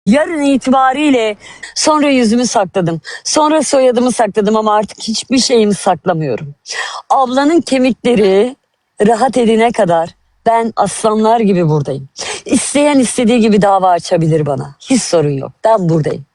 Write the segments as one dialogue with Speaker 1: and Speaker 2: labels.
Speaker 1: Yarın itibariyle sonra yüzümü sakladım. Sonra soyadımı sakladım ama artık hiçbir şeyimi saklamıyorum. Ablanın kemikleri rahat edene kadar ben aslanlar gibi buradayım. İsteyen istediği gibi dava açabilir bana. Hiç sorun yok. Ben buradayım.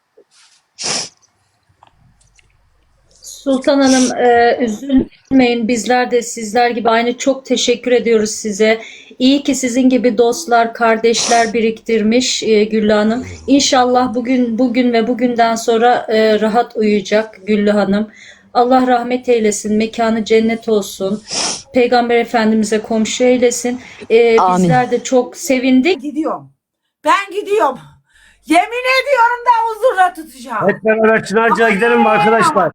Speaker 2: Sultan Hanım, üzülmeyin. Bizler de sizler gibi aynı çok teşekkür ediyoruz size. İyi ki sizin gibi dostlar, kardeşler biriktirmiş Güllü Hanım. İnşallah bugün ve bugünden sonra rahat uyuyacak Güllü Hanım. Allah rahmet eylesin, mekanı cennet olsun. Peygamber Efendimiz'e komşu eylesin.
Speaker 1: Amin.
Speaker 2: Bizler de çok sevindik.
Speaker 3: Ben gidiyorum. Yemin ediyorum da huzurla tutacağım.
Speaker 4: Hep beraber Çınarca'ya gidelim mi arkadaşlar?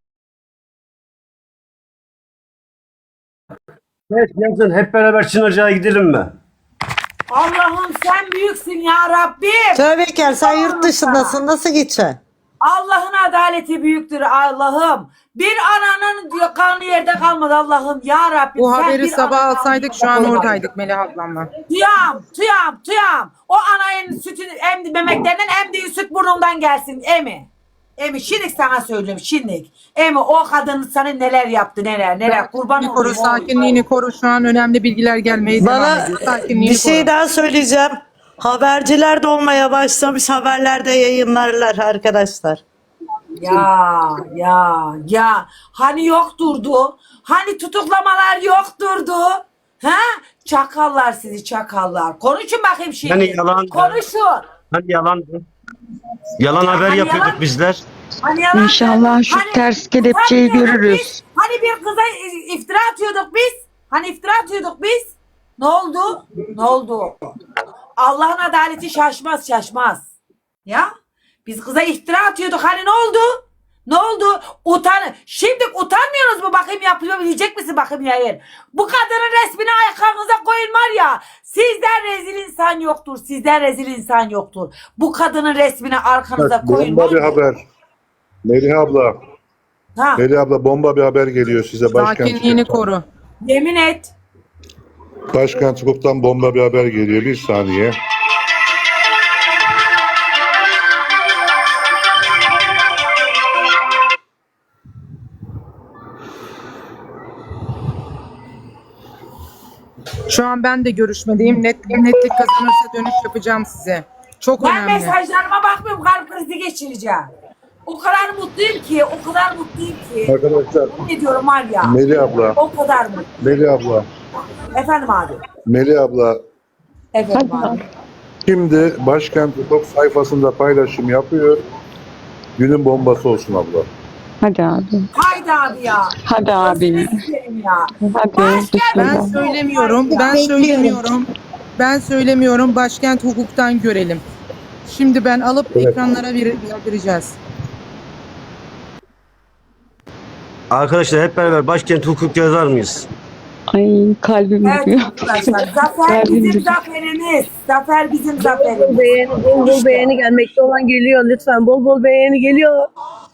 Speaker 4: Evet, yazın hep beraber Çınarca'ya gidelim mi?
Speaker 3: Allah'ım sen büyüksün ya Rabbim.
Speaker 5: Tövbekar, sen yurt dışındasın, nasıl gideceksin?
Speaker 3: Allah'ın adaleti büyüktür Allah'ım. Bir ananın diyor kanı yerde kalmadı Allah'ım ya Rabbim.
Speaker 6: Bu
Speaker 3: sen
Speaker 6: haberi
Speaker 3: bir
Speaker 6: sabah
Speaker 3: ananın
Speaker 6: alsaydık
Speaker 3: kanı
Speaker 6: şu an
Speaker 3: yerde
Speaker 6: oradaydık Melih ablamla.
Speaker 3: Tuyam. O anayın sütünü emdi memeklerinden emdiği süt burnundan gelsin emi. Emi şimdi sana söylüyorum şimdi. Emi o kadın sana neler yaptı neler kurban
Speaker 6: Bir koru,
Speaker 3: olayım.
Speaker 6: sakinliğini koru. Şu an önemli bilgiler gelmeye devam
Speaker 5: Bana
Speaker 6: ediyor. Sakinliğini
Speaker 5: bir şey
Speaker 6: koru.
Speaker 5: daha söyleyeceğim. Haberciler de olmaya başlamış, haberlerde yayınlarlar arkadaşlar.
Speaker 3: Ya hani yokturdu? Hani tutuklamalar yokturdu? Ha? Çakallar sizi çakallar. Konuşun bakayım şimdi.
Speaker 4: Hani yalan.
Speaker 3: Konuşun.
Speaker 4: Hani yalandı. Yalan haber
Speaker 3: Hani
Speaker 4: yapıyorduk
Speaker 3: yalan?
Speaker 4: bizler.
Speaker 3: Hani yalan.
Speaker 7: İnşallah şu ters kelepçeyi
Speaker 3: utanmıyorduk
Speaker 7: görürüz.
Speaker 3: biz? Hani bir kıza iftira atıyorduk biz? Hani iftira atıyorduk biz? Ne oldu? Ne oldu? Allah'ın adaleti şaşmaz. Ya? Biz kıza iftira atıyorduk. Hani ne oldu? Ne oldu? Şimdi utanmıyorsunuz mu? Bakayım yapabilecek misin bakayım yayın? Bu kadının resmini arkanıza koyun var ya. Sizden rezil insan yoktur. Bu kadının resmini arkanıza koyun.
Speaker 8: Bomba bir haber. Melih abla.
Speaker 3: Ha,
Speaker 8: Melih abla bomba bir haber geliyor size
Speaker 6: Sakinliğini koru.
Speaker 3: yemin et.
Speaker 8: Başkent Hukuk'tan bomba bir haber geliyor. Bir saniye.
Speaker 6: Şu an ben de görüşmedeyim. Netlik kazanırsa dönüş yapacağım size. Çok
Speaker 3: Ben
Speaker 6: önemli.
Speaker 3: mesajlarıma bakmıyorum. Kalp krizi geçireceğim. O kadar mutluyum ki.
Speaker 8: Arkadaşlar
Speaker 3: Ne diyorum var ya.
Speaker 8: Melih abla.
Speaker 3: O kadar mı?
Speaker 8: Melih abla.
Speaker 3: Efendim abi.
Speaker 8: Melih abla.
Speaker 3: Efendim abi.
Speaker 8: Şimdi Başkent Hukuk sayfasında paylaşım yapıyor. Günün bombası olsun abla.
Speaker 7: Hadi abi.
Speaker 3: Haydi abi ya.
Speaker 7: Hadi abi.
Speaker 3: Özür dilerim ya.
Speaker 7: Hadi.
Speaker 6: Ben
Speaker 7: Bismillah.
Speaker 6: söylemiyorum. Başkent hukuktan görelim. Şimdi ben alıp
Speaker 8: Evet.
Speaker 6: ekranlara vereceğiz.
Speaker 4: Arkadaşlar hep beraber Başkent Hukuk yazar mıyız?
Speaker 7: Ay kalbim
Speaker 3: Evet
Speaker 7: duruyor.
Speaker 3: arkadaşlar. Zafer
Speaker 7: Kalbim
Speaker 3: bizim
Speaker 7: duruyor.
Speaker 3: zaferimiz. Zafer bizim zaferimiz.
Speaker 9: Bol bol beğeni gelmekte olan geliyor. Lütfen bol bol beğeni geliyor.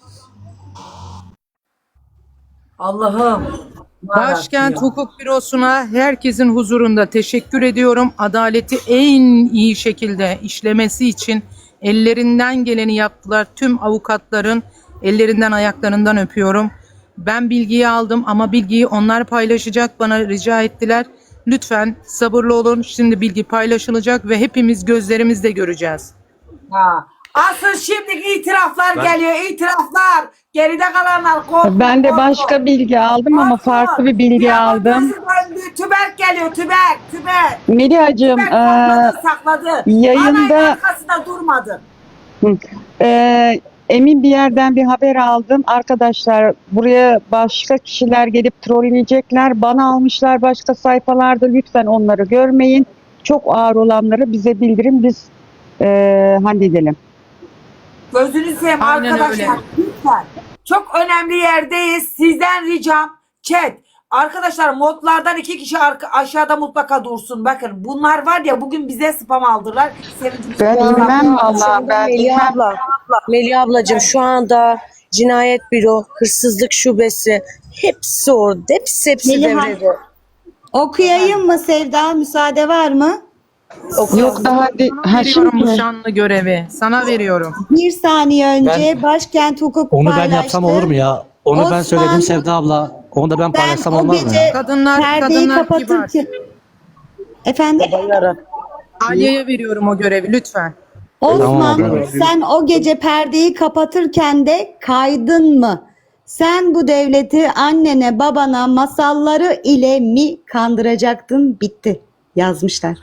Speaker 3: Allah'ım.
Speaker 6: Başkent Hukuk Bürosu'na herkesin huzurunda teşekkür ediyorum. Adaleti en iyi şekilde işlemesi için ellerinden geleni yaptılar. Tüm avukatların ellerinden ayaklarından öpüyorum. Ben bilgiyi aldım ama bilgiyi onlar paylaşacak. Bana rica ettiler. Lütfen sabırlı olun. Şimdi bilgi paylaşılacak ve hepimiz gözlerimizle göreceğiz.
Speaker 3: Ha. Asıl şimdiki itiraflar geliyor. İtiraflar. Geride kalanlar korkma.
Speaker 7: Ben de başka bilgi aldım ama farklı bir bilgi aldım.
Speaker 3: Tüberk geliyor. Tüberk.
Speaker 7: Melihacığım
Speaker 3: Sakladı.
Speaker 7: yayında-
Speaker 3: Anayın arkasında durmadı.
Speaker 7: emin bir yerden bir haber aldım. Arkadaşlar buraya başka kişiler gelip trolleyecekler. Bana almışlar başka sayfalarda. Lütfen onları görmeyin. Çok ağır olanları bize bildirin. Biz halledelim.
Speaker 3: Gözünü seveyim
Speaker 6: Aynen
Speaker 3: arkadaşlar.
Speaker 6: öyle.
Speaker 3: Lütfen. Çok önemli yerdeyiz. Sizden ricam chat. Arkadaşlar modlardan 2 kişi aşağıda mutlaka dursun. Bakın bunlar var ya bugün bize spam aldılar.
Speaker 7: Ben inmem vallahi ben inmem.
Speaker 9: Melih ablacığım şu anda cinayet büro, hırsızlık şubesi hepsi orada. Hepsi
Speaker 10: Melih
Speaker 9: devrede.
Speaker 10: Okuyayım mı Sevda? Müsaade var mı?
Speaker 7: Yok daha
Speaker 6: Sana veriyorum bu şanlı görevi. Sana veriyorum.
Speaker 10: Bir saniye önce başkent hukuk
Speaker 11: Onu ben
Speaker 10: paylaştı.
Speaker 11: yapsam olur mu ya? Onu ben
Speaker 10: Osman,
Speaker 11: söyledim Sevda abla. Onu da ben
Speaker 10: Sen
Speaker 11: paylaşsam
Speaker 10: o
Speaker 11: olmaz mı
Speaker 10: gece
Speaker 11: ya?
Speaker 6: Kadınlar
Speaker 10: perdeyi
Speaker 6: kibar.
Speaker 10: kapatırken... Efendim?
Speaker 6: Aliye'ye veriyorum o görevi lütfen.
Speaker 10: Osman,
Speaker 8: Tamam.
Speaker 10: sen o gece perdeyi kapatırken de kaydın mı? Sen bu devleti annene babana masalları ile mi kandıracaktın? Bitti. Yazmışlar.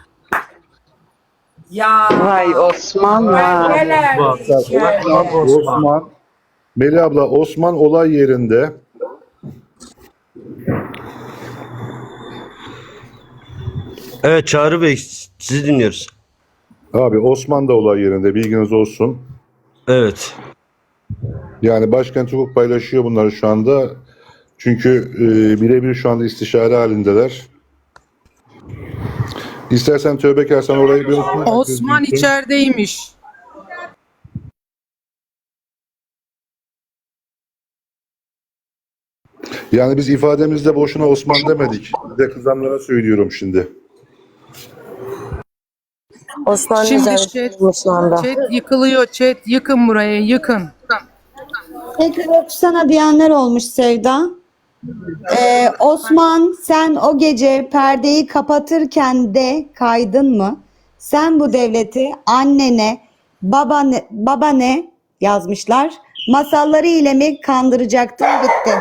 Speaker 3: Ya.
Speaker 7: Vay Osman
Speaker 3: Ben
Speaker 7: vay.
Speaker 3: neler diyeceğim.
Speaker 8: Osman, Melih abla, Osman olay yerinde.
Speaker 4: Evet Çağrı Bey, sizi dinliyoruz.
Speaker 8: Abi Osman da olay yerinde, bilginiz olsun.
Speaker 4: Evet.
Speaker 8: Yani başkent hukuk paylaşıyor bunları şu anda. Çünkü birebir şu anda istişare halindeler. İstersen Tövbekar sen orayı bir oku.
Speaker 6: Osman içerideymiş.
Speaker 8: Yani biz ifademizde boşuna Osman demedik. Bir de kızanlara söylüyorum şimdi.
Speaker 9: Osman
Speaker 6: Şimdi
Speaker 9: nezarette şu anda.
Speaker 6: chat yıkılıyor. Chat yıkın burayı yıkın.
Speaker 10: Tekrar okusana diyenler olmuş Sevda. Osman, sen o gece perdeyi kapatırken de kaydın mı? Sen bu devleti annene, babane yazmışlar. Masalları ile mi kandıracaktın? Bitti.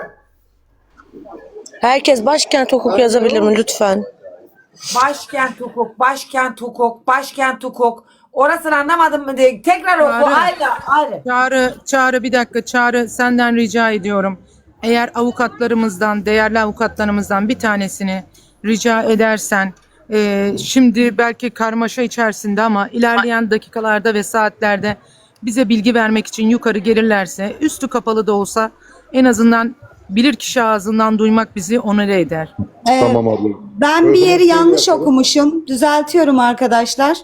Speaker 9: Herkes başkent hukuk yazabilir mi lütfen?
Speaker 3: Başkent hukuk, başkent hukuk, başkent hukuk. Orasını anlamadım mı diye. Tekrar oku. Ayrı.
Speaker 6: Çağrı bir dakika. Çağrı senden rica ediyorum. Eğer avukatlarımızdan, değerli avukatlarımızdan bir tanesini rica edersen, şimdi belki karmaşa içerisinde ama ilerleyen dakikalarda ve saatlerde bize bilgi vermek için yukarı gelirlerse, üstü kapalı da olsa en azından bilirkişi ağzından duymak bizi onore eder.
Speaker 8: Tamam abla.
Speaker 10: Ben bir yeri yanlış okumuşum. Düzeltiyorum arkadaşlar.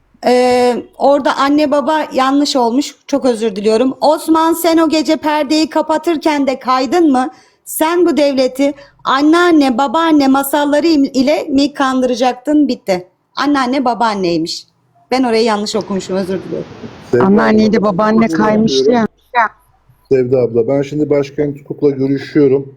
Speaker 10: Orada anne baba yanlış olmuş. Çok özür diliyorum. Osman, sen o gece perdeyi kapatırken de kaydın mı? Sen bu devleti anneanne babaanne masalları ile mi kandıracaktın? Bitti. Anneanne babaanneymiş. Ben orayı yanlış okumuşum, özür diliyorum.
Speaker 8: Sevda
Speaker 7: Anneanneydi
Speaker 8: abla,
Speaker 7: babaanne kaymıştı ya.
Speaker 8: Sevda abla, ben şimdi başkent hukukla görüşüyorum.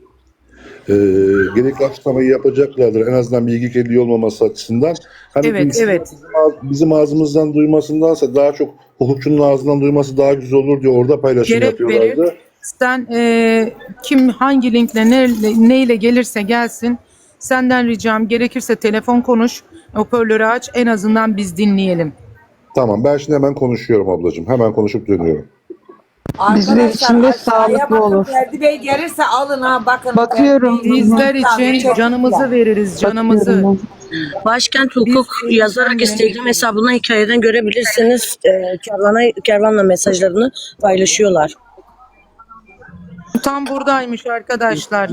Speaker 8: Gerekli açıklamayı yapacaklardır. En azından bilgi kirliliği olmaması açısından. Hani
Speaker 6: Evet.
Speaker 8: Bizim ağzımızdan duymasındansa daha çok hukukçunun ağzından duyması daha güzel olur diye orada paylaşım
Speaker 6: Gerek
Speaker 8: yapıyorlardı.
Speaker 6: verir. Sen kim hangi linkle neyle gelirse gelsin senden ricam gerekirse telefon konuş, hoparlörü aç, en azından biz dinleyelim.
Speaker 8: Tamam, ben şimdi hemen konuşuyorum ablacığım. Hemen konuşup dönüyorum.
Speaker 7: Bizler için de
Speaker 3: aşağıya
Speaker 7: sağlıklı
Speaker 3: bakın,
Speaker 7: olur.
Speaker 3: Ferdi Bey gelirse alın ha bakın.
Speaker 7: Bakıyorum.
Speaker 3: Ferdi Bey,
Speaker 6: Bizler
Speaker 3: çok
Speaker 6: için canımızı
Speaker 3: güzel.
Speaker 6: veririz, canımızı.
Speaker 9: Başkent hukuk yazarak Instagram hesabından hikayeden görebilirsiniz. Kervanla mesajlarını paylaşıyorlar.
Speaker 6: Sultan buradaymış arkadaşlar.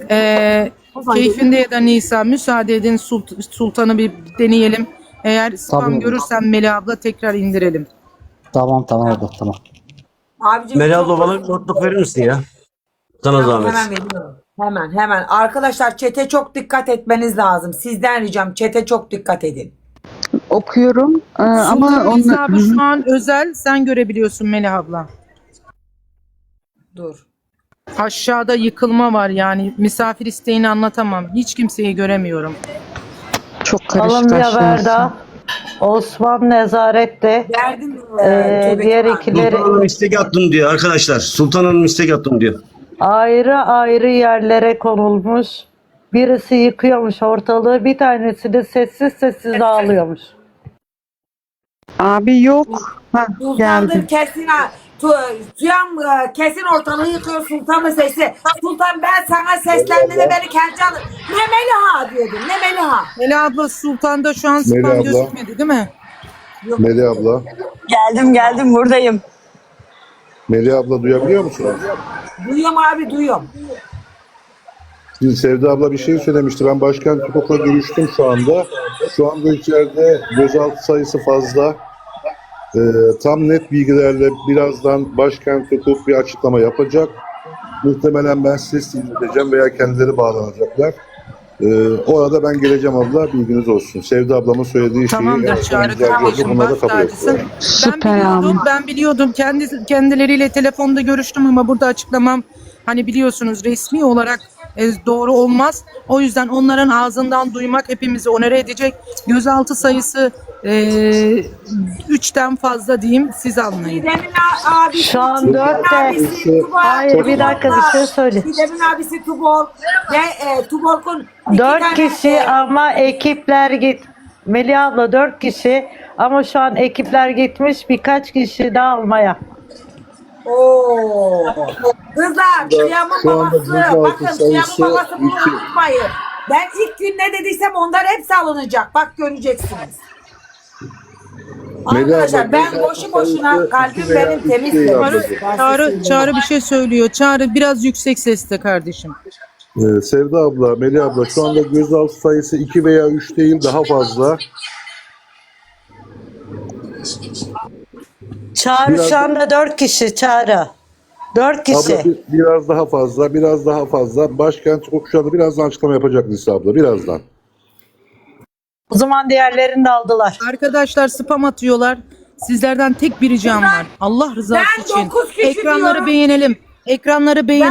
Speaker 6: Keyfinde ya da Nisa müsaade edin Sultan'ı bir deneyelim. Eğer spam
Speaker 11: Tabii.
Speaker 6: görürsem Melih abla tekrar indirelim.
Speaker 11: Tamam abla tamam.
Speaker 3: Abicim,
Speaker 4: Melih
Speaker 3: çok-
Speaker 4: abla bana bir notluk verir misin ya? Sana zahmet.
Speaker 3: Hemen veriyorum. Hemen. Arkadaşlar çete çok dikkat etmeniz lazım. Sizden ricam çete çok dikkat edin.
Speaker 7: Okuyorum ama
Speaker 6: Sultan'ın
Speaker 7: onu
Speaker 6: hesabı şu an özel, sen görebiliyorsun Melih abla.
Speaker 3: Dur.
Speaker 6: Aşağıda yıkılma var yani misafir isteğini anlatamam. Hiç kimseyi göremiyorum.
Speaker 7: çok karışık
Speaker 5: Alınmıyor
Speaker 7: aşağısı.
Speaker 5: Verda. Osman nezarette.
Speaker 3: Verdim.
Speaker 5: Diğer ikileri
Speaker 4: Sultan Hanım istek attım diyor arkadaşlar. Sultan Hanım istek attım diyor.
Speaker 5: ayrı ayrı yerlere konulmuş. Birisi yıkıyormuş ortalığı, bir tanesi de sessiz sessiz ağlıyormuş.
Speaker 7: Abi yok. Ha,
Speaker 3: Sultandır
Speaker 7: geldi.
Speaker 3: kesin ha. Tuyan kesin ortalığı yıkıyor Sultan'ın sesi. Sultan ben sana seslendiğinde beni kendi alın. Ne Meliha diyordum. Ne Meliha.
Speaker 6: Melih abla Sultan'da şu an
Speaker 8: Melih
Speaker 6: spam
Speaker 8: abla.
Speaker 6: gözükmedi değil mi?
Speaker 8: Melih abla.
Speaker 1: Geldim buradayım.
Speaker 8: Melih abla duyabiliyor musunuz?
Speaker 3: Duyuyorum abi duyuyorum.
Speaker 8: Şimdi Sevda abla bir şey söylemişti. Ben başkent hukukla görüştüm şu anda. Şu anda içeride gözaltı sayısı fazla. Tam net bilgilerle birazdan başkent hukuk bir açıklama yapacak. Muhtemelen ben size ileteceğim veya kendileri bağlanacaklar. Orada ben geleceğim abla, bilginiz olsun. Sevda ablamın söylediği şeyi
Speaker 6: Tamamdır Çağrı kardeşim,
Speaker 8: bunları da
Speaker 6: baş
Speaker 8: kabul
Speaker 6: tacısın.
Speaker 8: ettiler.
Speaker 6: Ben biliyordum kendileriyle telefonda görüştüm ama burada açıklamam hani biliyorsunuz resmi olarak doğru olmaz. O yüzden onların ağzından duymak hepimizi onore edecek. Gözaltı sayısı 3'ten fazla diyeyim, siz anlayın.
Speaker 3: Didem'in abisi,
Speaker 5: Şu an
Speaker 3: Didem'in
Speaker 5: 4
Speaker 3: abisi
Speaker 5: de.
Speaker 3: Tuborg.
Speaker 5: Hayır, bir dakika, bir şey söyle.
Speaker 3: Didem'in abisi Tuborg ve Tuborg'un
Speaker 5: 4 kişi ama ekipler git. Melih abla 4 kişi ama şu an ekipler gitmiş, birkaç kişi daha almaya.
Speaker 3: Oo. Kızlar, Siyam'ın
Speaker 8: şu anda
Speaker 3: babası,
Speaker 8: gözaltı
Speaker 3: bakın Siyam'ın
Speaker 8: sayısı
Speaker 3: babası bunu
Speaker 8: 2.
Speaker 3: unutmayın. Ben ilk gün ne dediysem onlar hepsi alınacak. Bak göreceksiniz.
Speaker 8: Melih
Speaker 3: Arkadaşlar
Speaker 8: abla,
Speaker 3: ben
Speaker 8: gözaltı
Speaker 3: boşu boşuna
Speaker 8: sayısı
Speaker 3: kalbim
Speaker 8: 2 veya
Speaker 3: benim
Speaker 8: 3
Speaker 3: temiz.
Speaker 8: değil
Speaker 3: temiz.
Speaker 8: ablacığım.
Speaker 6: Çağrı bir şey söylüyor. Çağrı biraz yüksek sesle kardeşim.
Speaker 8: Sevda abla, Melih abla, şu anda gözaltı sayısı 2 veya 3 değil, daha fazla.
Speaker 5: Çağrı
Speaker 8: Biraz-
Speaker 5: şu anda 4 kişi Çağrı. 4 kişi.
Speaker 8: Abla biraz daha fazla, biraz daha fazla. Başkent hukuk şu anda birazdan açıklama yapacak Nisa abla, birazdan.
Speaker 5: O zaman diğerlerini de aldılar.
Speaker 6: Arkadaşlar spam atıyorlar. Sizlerden tek bir ricam var. Allah rızası
Speaker 3: Ben
Speaker 6: için
Speaker 3: 9 kişi
Speaker 6: ekranları
Speaker 3: diyorum.
Speaker 6: beğenelim. Ekranları beğenelim.